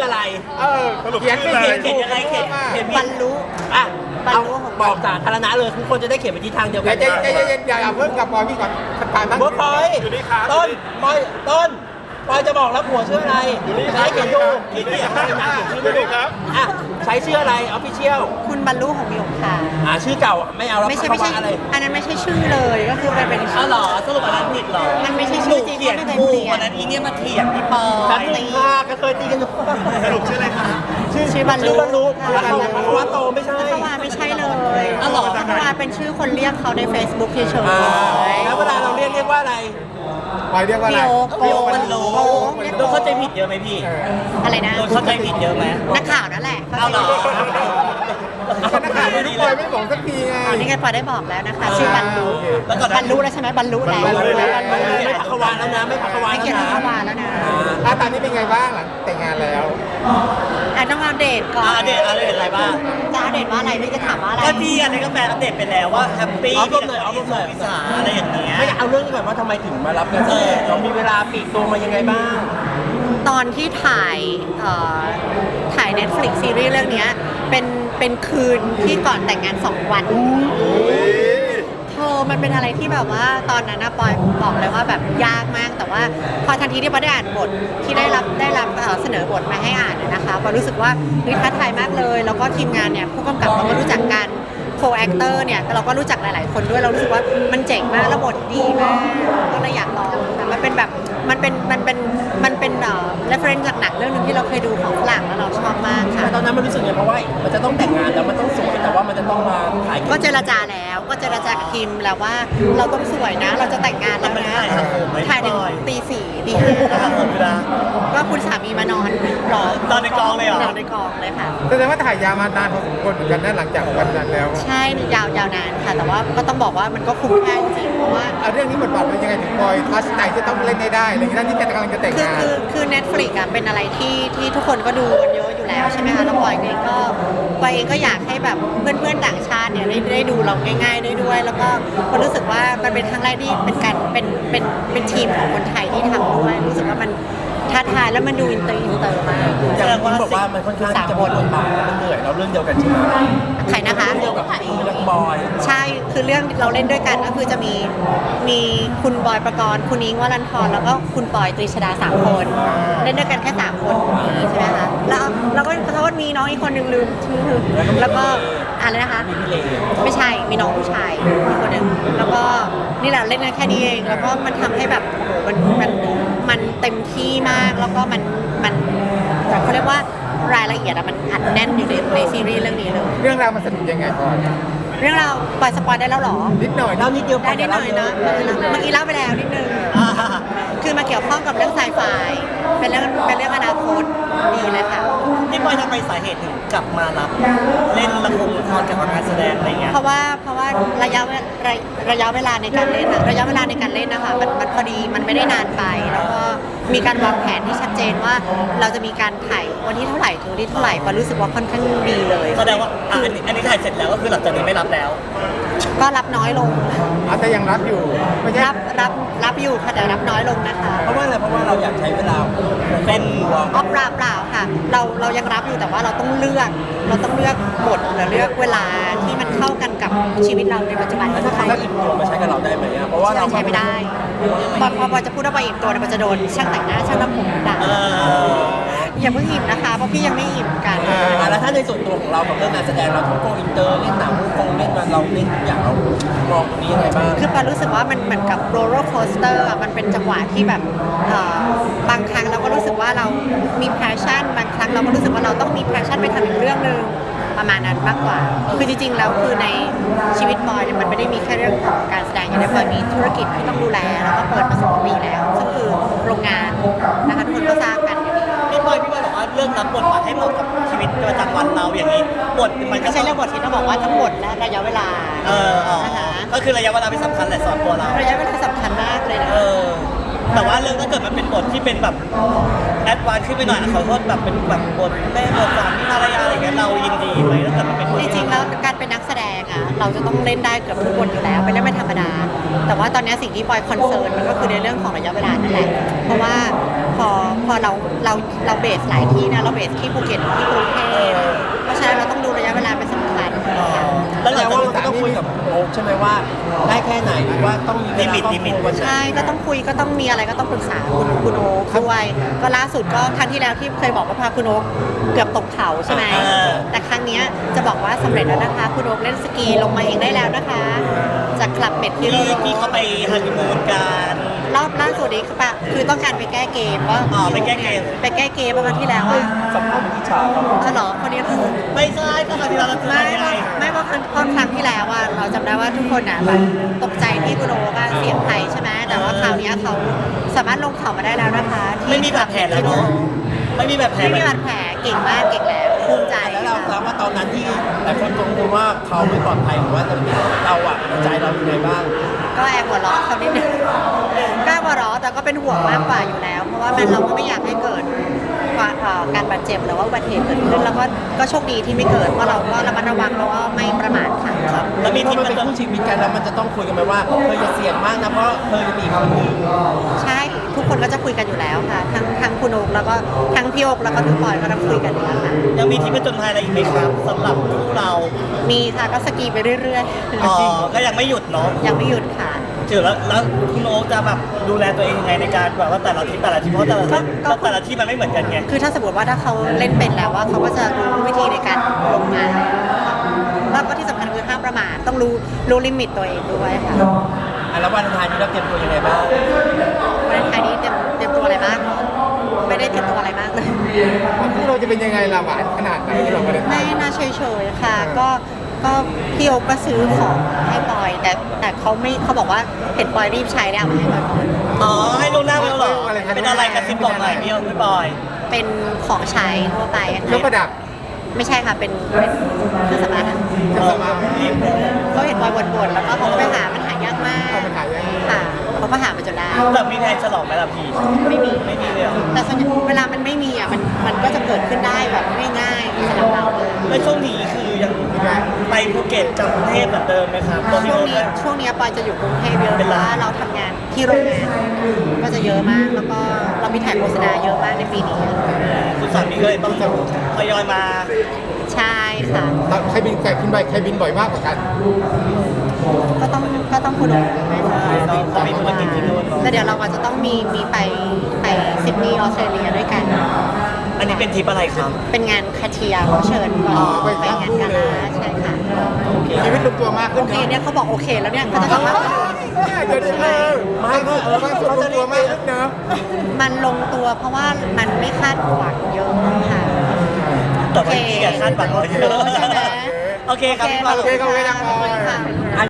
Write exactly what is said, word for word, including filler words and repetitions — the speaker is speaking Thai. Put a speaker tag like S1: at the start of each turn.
S1: อะไร
S2: เออเขียนไม่เขียน
S1: เขียนยังไงเขียนเขียน
S3: บรรลุ
S1: อ่ะ
S3: บรร
S1: เอา
S3: ลุของ
S1: บอกสาธารณะเลยทุกคนจะได้เขียนไปที่ทางเดียว
S2: อ
S1: กั
S2: ย่าน ใจใจเย็นๆอย่าเอาเพิ่งกับบอยพี่ก่อนผ่านบ้าง
S1: เมื่อพอยต้นปอยต้นปอยจะบอกแล้วผัวชื่ออะไรจะได้เขียนถูกที่เขียนให้นะเขียนชื่อถูกครับอ่ะใช้ชื่ออะไรออฟฟิเชียล
S3: คุณบรรลุของมิวค่ะ
S1: อ่าชื่อเก่าไม่เอาแล้ว
S3: ไม่ใช่ไม่ใช่
S1: อะไร
S3: อันนั้นไม่ใช่ชื่อเลยก็คือมันเป็น
S4: อ้าวเหรอสรุปอันนั้นผิดเหรอ
S3: มันไม่ใช่ชื่อจริง
S4: เขียน
S3: ไม่เคย
S4: ถู
S3: เป
S4: ก
S3: ลี่ย
S4: วัน นนั้นอีเนี่ยมาเถียงพี่ปอ
S1: กัน
S4: ย
S1: ตีค่ะก็เคยตีกันอยู่
S4: สรุปชื่ออะไรคะ
S1: ชื่อ
S3: ชื่อบรรลุ
S1: ชื่อบรรลุ
S3: ค่ะ
S1: เพราะว่าโตไม่ใช่
S3: พัทวาไม่ใช่เลย
S4: อ้าวเหรอ
S3: พัทวาเป็นชื่อคนเรียกเขาใน Facebook เฉย
S1: อ่า
S3: ๆ
S1: แล้วเวลาเราเรียกเรียกว่าอะไร
S2: บอยเรียกว่าอะไร
S3: พี่โอ
S4: โอ้มันรู้
S3: โอ้เรียก
S4: โดนเข้าใจผิดเยอะไหมพี่
S2: เออ
S3: อะไรนะ
S4: โดนเข้าใจผิดเยอะไหม
S3: นักข่าวนั่นแหละ
S4: เอาเหรอ
S2: ก็นักข่าวไม่รู้บอยไม่บอกสักทีไง
S3: อ๋อนี่ไงปอยได้บอกแล้วนะคะ ชื่อบรรลุ
S4: แล้วก่อน
S3: บรรลุแล้วใช่ไหมบรรลุแล้ว
S2: บรรลุแล้ว
S3: บรรลุ
S1: ไม่พักวานแล้วนะไม่พักวาน
S3: ไม่
S1: แล้ว
S3: เกี่ยวกับ
S1: นะ
S3: พัทวาแล้วนะ
S2: อ่ะตอนนี้เป็นไงบ้างหลังแต่งงานแล้ว
S3: อ่ะต้องอัปเดตก่อน
S4: อ่าเดตอะไรอะไรบ้าง
S3: จะอัปเดตว่าอะไรไม่จะถามว่าอะไร
S4: ก็ที่อันนี้ก็แฟนอัปเดตไปแล้วว่าแฮปปี้
S1: เอารมณ์เลยเอารมณ์เลย
S4: วิสาอะไรอย่างเงี้ย
S1: ไม่เอาเรื่องนี้ก่อนว่าทำไมถึงมารับงานแสดงเรามีเวลาปลีกตัวมายังไงบ้าง
S3: ตอนที่ถ่ายเอ่อถ่าย Netflix ซีรีส์เรื่องเนี้ยเป็นเป็นคืนที่ก่อนแต่งงานสองวันเธอมันเป็นอะไรที่แบบว่าตอนนั้นนะปอยบอกเลยว่าแบบยากมาก แต่ว่าพอทันทีที่ปอยได้อ่านบทที่ได้รับได้รับเอ่อเสนอบทมาให้อ่านเนี่ยนะคะปอยรู้สึกว่าเฮ้ยท้าทายมากเลย แล้วก็ทีมงานเนี่ยผู้กำกับเราก็รู้จักกันโคแอคเตอร์เนี่ยเราก็รู้จักหลาย ๆ คนด้วยเรารู้สึกว่ามันเจ๋งมากแล้วบทดีมากก็เลยอยากลองแต่มันเป็นแบบมันเป็นมันเป็นมันเป็นเอ่อ reference จากหนังเรื่องหนึงที่เราเคยดูของฝรั่งแล้วเราชอบมากค่ะ
S1: แต่ตอนนั้นมันรู้สึกไงเพราะว่ามันจะต้องแต่งงานแล้วมันต้องสวยแต่ว่ามันจะต้องมาถ่าย
S3: ก็เจรจาแล้วก็เจรจากับทีมแล้วว่าเราต้องสวยนะ เราจะแต่งงานแล้วนะ
S4: มันถ่ายทำผมไหม
S3: ถ่ายถึง
S4: พี่บอย
S3: ตีสี่ตีห้า
S4: ทำผมเวลา
S3: ก็คุณสามีมานอนรอน
S4: อนในกองเลยเหรอ
S3: นอนในกองเลยค่ะ
S2: แสดงว่าถ่ายยาวมานานพอสมควรเหมือนกันนะหลังจากวันนั้นแล้ว
S3: ใช่ยาวยาวนานค่ะ แต่ว่าก็ต้องบอกว่ามันก็คุ้มค่าจริงๆเพราะว่า
S2: เอาเรื่องนี้บทบาทเป็นยังไงถึงบอยทัชใจจะต้องเล่นได้ได้อะไรอย่างนี้ที่จะกำลังจะแต่ง
S3: คือง
S2: าน
S3: คือคือ Netflix อ่ะเป็นอะไรที่ที่ทุกคนก็ดูกันเยอะอยู่แล้วใช่ไหมคะแล้วปอยเองก็ปอยเองก็อยากให้แบบเพื่อนๆต่างชาติเนี่ยได้ได้ดูเราง่ายๆได้ด้วย แล้วก็ก็รู้สึกว่ามันเป็นครั้งแรกที่เป็นการเป็นเป็นเป็นทีมของคนไทยที่ทำด้วยรู้สึกว่ามันท้าทายแล้วมันดูอินเตอร์อินเตอร์มาก
S1: อย่างที่บอกว่ามันค่อนข้างจะบทบาทมันเหนื่อยเราเรื่องเดียวกันใช่ไหม
S3: ใครนะคะ
S1: เรื่องเดียวกับพี่นักบอย
S3: ใช่คือเรื่องเราเล่นด้วยกันก็คือจะมีมีคุณบอยประกรณ์คุณนิ้งวรันทรแล้วก็คุณปอยตรีชดาสามคนเล่นด้วยกันแค่สามคนใช่ไหมคะแล้วแล้วก็เขาก็มีน้องอีกคนหนึ่งลืมชื่อแล้วก็อะไรนะคะ
S1: มีพี่เล
S3: ไม่ใช่มีน้องผู้ชายอีกคนหนึ่งแล้วก็นี่แหละเล่นกันแค่นี้เองแล้วก็มันทำให้แบบโอ้โหมันมันมันเต็มที่มากแล้วก็มันมันเขาเรียกว่ารายละเอียดอะมันอัดแน่นอยู่ในในซีรีส์เรื่องนี้เลย
S2: เรื่องราวมันสนุกยังไงบอย
S3: เรื่องเราวปล่อยสปอยได้แล้วเหรอ
S2: นิดหน่อย
S1: เล่านิดเดียวพ
S3: ได้นิดหน่อยนะเมื่อกี้เล่าไปแล้วนิดนึง
S4: อ่า
S3: คือมาเกี่ยวข้องกับเรื่องไซไฟเป็นเรื่องเป็นเรื่องอนาคตดีเลยค่ะ
S4: พี่ปอยทำไมสาเหตุถึงกลับมารับเล่นละครละครกับงานแสดงอะไรเงี้ย
S3: เพราะว่าเพราะว่าระยะเวระระยะเวลาในการเล่นอะระยะเวลาในการเล่นนะคะมันมันพอดีมันไม่ได้นานไป แล้วก็มีการวางแผนที่ชัดเจนว่าเราจะมีการถ่ายวันที่เท่าไหร่ถึงวันที่เท่าไหร่ปอรู้สึกว่าค่อนข้างดีเลย
S4: แสดงว่าอ่ะอันนี้อันนี้ถ่ายเสร็จแล้วก็คือหลังจากนี้ไม่รับแล้ว
S3: ก็รับน้อยลง
S2: เอาแต่ยังรับอยู่ไม่ใช่
S3: รับรับรับอยู่ค่ะแต่รับน้อยลงนะคะ
S1: เพราะว่าอะไรเพราะว่าเราอยากใช้เวลา
S4: เป็น
S1: ตัว
S3: อ๋อเปล่าเปล่าค่ะ เราเรายังรับอยู่แต่ว่าเราต้องเลือก เราต้องเลือกบทหรือเลือกเวลาที่มันเข้ากันกับชีวิตเราในปัจจุบัน
S1: แล้วถ้าเขาอิ่มตัวมาใช้กับเราได้ไหมอะเพราะว่าเรา
S3: ใช้ไม่ได้พอพอพอจะพูดว่าไปอิ่มตัวเนี่ยมันจะโดนช่างแต่งหน้าช่างทำผมด่า
S4: เออ
S3: อย่าเพิ่งอิ่มนะคะเพราะพี่ยังไม่อิ่มกัน
S1: อ่าแล้วถ้าในส่วนตัวของเรากับเรื่องงานแสดงเราทั้งโกอินเตอร์เล่นหนังฮ่องกงเล่นมาเราเล่นทุกอย่างเรามองตรงนี้ยังไงบ้าง
S3: คือปารู้สึกว่ามันเหมือนกับโรลเลอร์โคสเตอร์มันเป็นจังหวะที่แบบเอ่อบางครั้งเราก็รู้สึกว่าเรามีแพชชั่นบางครั้งเราก็รู้สึกว่าเราต้องมีแพชชั่นไปทำอีกเรื่องหนึ่งประมาณนั้นมากกว่า คือจริงๆแล้วคือในชีวิตบอยเนี่ยมันไม่ได้มีแค่เรื่องของการแสดงอย่างเดียวบอยมีธุรกิจที่ต้องดูแลแล้วก็เปิดมาสองปีแล้วซึ่งคือโรงงานนะคะทุกคนก็ทราบกัน
S4: พี่บอยพี่บอยบอกว่าเรื่องรับบทบาทให้เหมาะกับชีวิตประจำวันเราอย่างนี้บทมันก็
S3: ไม่ใช่เรื่องบทที่ต้องบอกว่าทั้งหมดและระยะเวลา
S4: เอออ๋อ
S3: นะคะ
S4: ก็คือระยะเวลาไม่สำคัญแหละสอนตัวเรา
S3: ระยะเวลาสำคัญมากเลยนะ
S4: เออแต่ว่าเรื่องถ้าเกิดมันเป็นบทที่เป็นแบบแอดวานซ์ขึ้นไปหน่อยขอโทษแบบเป็นแบบบทแม่บทสามีภรรยาอะไรเงี้ยเรายินดีไหมถ้าเกิดมันเป็นบท
S3: จริงๆแล้วการเป็นนักแสดงอะเราจะต้องเล่นได้เกือบทุกคนอยู่แล้วเป็นเรื่องไม่ธรรมดา แต่ว่าตอนนี้สิ่งที่ปอยคอนเซิร์นมันก็คือในเรื่องของระยะเวลานั่นแหละเพราะว่าพอพอเราเราเราเบสหลายที่นะเราเบสที่ภูเก็ตที่กรุงเทพเพราะฉะนั้นเราต้องดูระยะเวลาเป็นสำคัญ
S4: แล้วหลัง
S1: แต่
S4: จาก
S1: ว่าเราก็ต้องคุยกับโอ๊คใช่ไหมว่าได้แค่ไหนหรือว่าต้องมีเวลาครอบครัววันไหน
S3: ใช่ก็ต้องคุยก็ต้องมีอะไรก็ต้องปรึกษาคุณคุณโอ๊คด้วยก็ล่าสุดก็ครั้งที่แล้วที่เคยบอกว่าพาคุณโอ๊คเกือบตกเขาใช่ไหมแต่ครั้งเนี้ยจะบอกว่าสำเร็จแล้วนะคะคุณโอ๊คเล่นสกีลงมาเองได้แล้วนะคะจากคลับเม็ดที่
S4: ที่
S3: เรา
S4: ที่เขาไปฮันนีมูนกัน
S3: รอบล่าสุดนี้คือปะคือต้องการไปแก้เกมว่า
S4: อ๋อไปแก้เกม
S3: ไปแก้เกมประมาณที่แล้วว่า
S1: สัมภาษณ์เป็นอิจฉาครับ
S3: อ๋อเหรอคนนี้คือ
S4: ไม่ใช่ก็ครั้งที่เราเรา
S3: ไม่
S4: ไง
S3: ไม่ไม่เพราะครั้งเพราะครั้งที่แล้วว่าเราจำได้ว่าทุกคนอ่ะแบบตกใจที่คุณโอ๊คอะเสียงไทยใช่ไหมแต่ว่าคราวเนี้ยเขาสามารถลงเขามาได้แล้วนะคะที่
S4: ไม่มีบาดแผลแล้วเนาะไม่มีบาดแผล
S3: ไม่มีบาดแผลเก่งมากเก่งแล้วภูมิใจ
S1: แล้วเราแล้วว่าตอนนั้นที่หลายคนกังวลว่าเขาไม่ปลอดภัยหรือว่าจะเป็นเราอะใจเราอยู่ไหนบ้าง
S3: ก็แอบหัวเราะเขานิดนึงก็แอบหัวเราะแต่ก็เป็นห่วงมากกว่าอยู่แล้ว เพราะว่ามันเราก็ไม่อยากให้เกิดว่าเอ่อการบาดเจ็บหรือว่าอุบัติเหตุเกิดขึ้นแล้วก็ก็โชคดีที่ไม่เกิดเพราะเราก็ระมัดระวังแล้วก็ไม่ประมาทค่ะ
S1: ครับ
S4: แล้วมี
S1: เพราะ
S4: ที่
S1: มัน
S4: มัน
S1: เป็น
S4: จะ
S1: คู่ชีวิตกันแล้วมันจะต้องคุยกันไหมว่าเธอจะเสี่ยงมากนะเพราะเธอจะมีอีกคนหนึ่ง
S3: ใช่ทุกคนก็จะคุยกันอยู่แล้วค่ะ ทั้งทั้งคุณโอ๊คแล้วก็ทั้งพี่โอ๊คแล้วก็ทั้งปอยก็ต้องคุยกันอยู่แล้วค่ะ
S4: ยังมีที่ผจญภัยอะไรอีกไหมครับสำหรับคู่เรา
S3: มีค่ะก็สกีไปเรื่อย
S4: อ๋อก็ยังไม่หยุดเนาะ
S3: ๆ ยังไม่หยุดค่ะ
S4: ถือแล้วแล้วคุณโอ๊คจะแบบดูแลตัวเองยังไงในการแบบว่าแต่ละที่แต่ละที่เพราะแต่ละที่
S3: ก็ก็
S4: แต่ละที่มันไม่เหมือนกันไง
S3: คือถ้าสมมติว่าถ้าเขาเล่นเป็นแล้วว่าเขาก็จะรู้วิธีในการลงมาแล้วก็ที่สำคัญคือห้ามประมาทต้องรู้รู้ลิมิตตัวเองด้วยค่ะ
S1: อ่ะแล้ววันอังคารนี้เราเตรียมตัวยังไงบ้าง
S3: วันไทยนี้เตรียมเตรียมตัวอะไรบ้างไม่ได้เตรียมตัวอะไรมากเลย
S2: คู่เราจะเป็นยังไงล่ะหวานขนาดไหนที่เราไม่ได้
S3: ไม่น่าเฉยๆค่ะ ก็ก็พี่โอ๊คก็ซื้อของให้ปอย แต่แต่เขาไม่เขาบอกว่าเห็นปอยรีบใช้แล้วเอามาให้ปอยก่อน
S4: อ๋อให้ลูกหน้าไปแล้วเหรอเป็นอะไรกระซิบบอกหน่อยพี่โอ๊คพี่บอย
S3: เป็นของใช้ทั่วไปอะ
S2: เครื่องประดับ
S3: ไม่ใช่ค่ะเป็นเป็นเครื่องสำอางอะ
S2: เครื่องสำอาง
S3: เขาเห็นปอยบ่นๆแล้วก็เขาก็ไปหามันหายากมาก
S2: เอามันหายาก
S3: ค่ะเขาก็หามาจนได้
S4: แต่มีแผนฉลองไหมล่ะพี่
S3: ไม่มี
S4: ไม่มีเลยเหรอ
S3: แต่ส่วนใหญ่เวลามันไม่มีอ่ะมันมันก็จะเกิดขึ้นได้แบบง่ายๆสำหรับเรา
S4: แล้วช่วงนี้คือยังไปภูเก็ตกับกรุงเทพเหมือนเดิมไหมครับตัวพี่
S3: ช่วง
S4: โอ๊ค
S3: นี้
S4: เนี่ย
S3: ช่วงนี้ปอยจะอยู่กรุงเทพเยอะ
S4: เป็น
S3: เพ
S4: หลั
S3: ราะ
S4: ก
S3: ว่าเราทำงานที่โรงงานก็จะเยอะมาก แล้วก็เรามีถ่ายโฆษณาเยอะมากในปีนี้
S4: คุณสามีก็เลยต้องทยอยมา
S3: ใช่ค่ะ
S2: ใครบินใครบินบ่อยใครบินบ่อยมากกว่ากัน
S3: ก็ต้องก็ต้องคุณโอ๊คไหมคะ
S4: ต้องมีธุรกิจที่นู่นเนาะ
S3: แต่เดี๋ยวเราอาจจะต้องมีมีไปไปซิดนีย์ออสเตรเลียด้วยกัน
S4: อันนี้เป็นทริปอะไรครับ
S3: เป็นงานคาเทียเขาเชิญก่อน
S2: อ๋อไป
S3: ไปงานกาลาใช่ค่ะ
S2: ชีวิตลงตัวมากขึ้
S3: โอน เค
S2: เนาะ
S3: เนี่ยเขาบอกโอเคแล้วเนี่ยเขาจะบอกว่า
S2: เดี๋ยวนี้เลยไม่ก็เออความสุขลงตัวมากขึ้นเนาะ
S3: มันลงตัวเพราะว่ามันไม่คาดหวังเยอะค่ะ
S4: แต่ว่าพี่อะคาดหวังไว้เยอะ
S3: ใช่ไหม
S4: โอเคครับพี่บอย
S2: โอเคครับโอเคครับ
S3: ขอบคุณค่ะ